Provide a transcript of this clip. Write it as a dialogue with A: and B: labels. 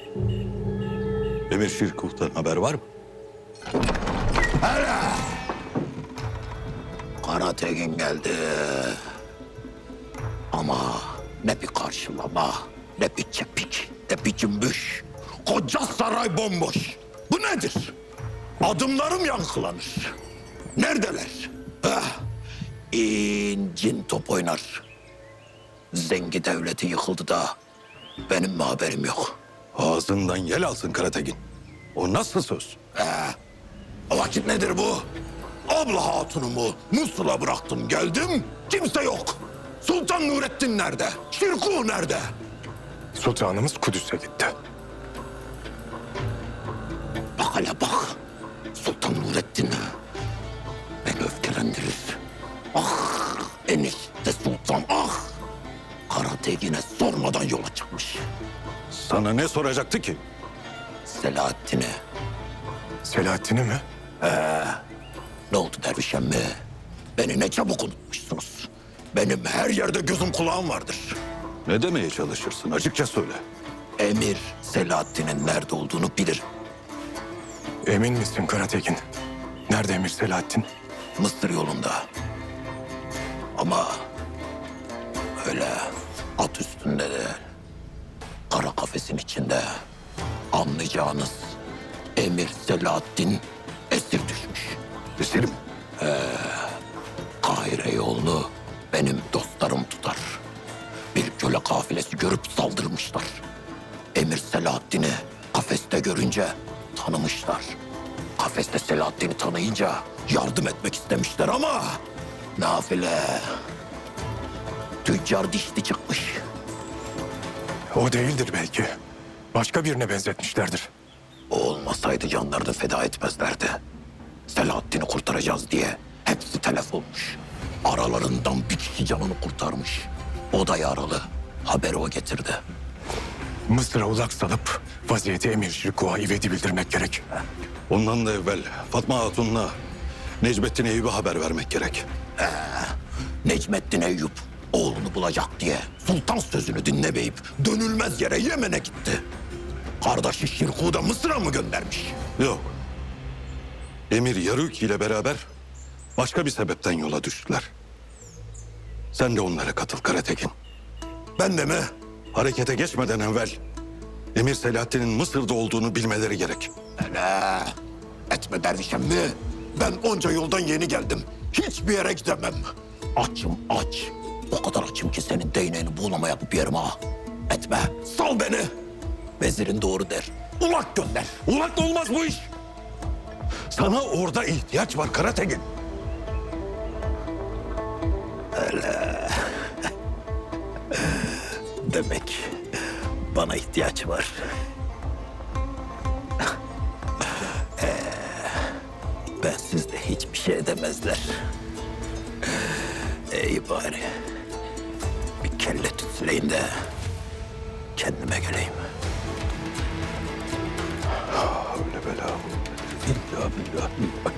A: Emir Şirkuh'tan haber var mı?
B: Karatekin geldi. Ama ne bir karşılama, ne bir çepik, ne bir cümbüş. Koca saray bomboş. Bu nedir? Adımlarım yankılanır. Neredeler? İncin top oynar. Zengi devleti yıkıldı da benim mi haberim yok?
A: Ağzından yel alsın Karatekin. O nasıl söz?
B: O vakit nedir bu? Abla hatunumu Musul'a bıraktım geldim. Kimse yok. Sultan Nurettin nerede? Şirkuh nerede?
C: Sultanımız Kudüs'e gitti.
B: Bak hele bak. Sultan Nurettin beni öfkelendirir. Ah enişte sultan ah. Karatekin'e sormadan yola çıkmış.
A: Sana ne soracaktı ki?
B: Selahattin'e.
C: Selahattin'i mi?
B: Ne oldu derviş emmi? Beni ne çabuk unutmuşsunuz. Benim her yerde gözüm kulağım vardır.
A: Ne demeye çalışırsın? Açıkça söyle.
B: Emir Selahattin'in nerede olduğunu bilirim.
C: Emin misin Karatekin? Nerede Emir Selahattin?
B: Mısır yolunda. Ama öyle at üstünde de kara kafesin içinde anlayacağınız Emir Selahattin esir düşmüş.
A: Esir mi?
B: Kahire yolunu benim dostlarım tutar. Bir köle kafilesi görüp saldırmışlar. Emir Selahattin'i kafeste görünce tanımışlar. Kafeste Selahattin'i tanıyınca yardım etmek istemişler ama nafile tüccar dişli çıkmış.
C: O değildir belki. Başka birine benzetmişlerdir.
B: O olmasaydı canlarını feda etmezlerdi. Selahattin'i kurtaracağız diye hepsi telef olmuş. Aralarından bir kişi canını kurtarmış. O da yaralı. Haberi o getirdi.
C: Mısır'a ulak salıp vaziyeti Emir Şirkuh'a ivedi bildirmek gerek.
A: Ondan da evvel Fatma Hatun'la Necmettin Eyüp'e haber vermek gerek.
B: Necmettin Eyüp oğlunu bulacak diye sultan sözünü dinlemeyip dönülmez yere Yemen'e gitti. Kardeşi Şirkuh'u da Mısır'a mı göndermiş?
A: Yok. Emir Yaruk ile beraber başka bir sebepten yola düştüler. Sen de onlara katıl Karatekin.
B: Ben de mi?
A: Harekete geçmeden evvel Emir Selahattin'in Mısır'da olduğunu bilmeleri gerek.
B: Hele etme dervişem mi? Ben onca yoldan yeni geldim. Hiçbir yere gidemem. Açım aç. O kadar açım ki senin değneğini buğulama yapıp yerim ha. Etme. Sal beni. Vezirin doğru der. Ulak gönder.
A: Ulakla olmaz bu iş. Sana orada ihtiyaç var Karatekin.
B: Demek bana ihtiyaç var. Bensiz de hiçbir şey edemezler. İyi bari. Bir kelle tütsüleyin de kendime geleyim.
A: Öyle bela. İlla billah.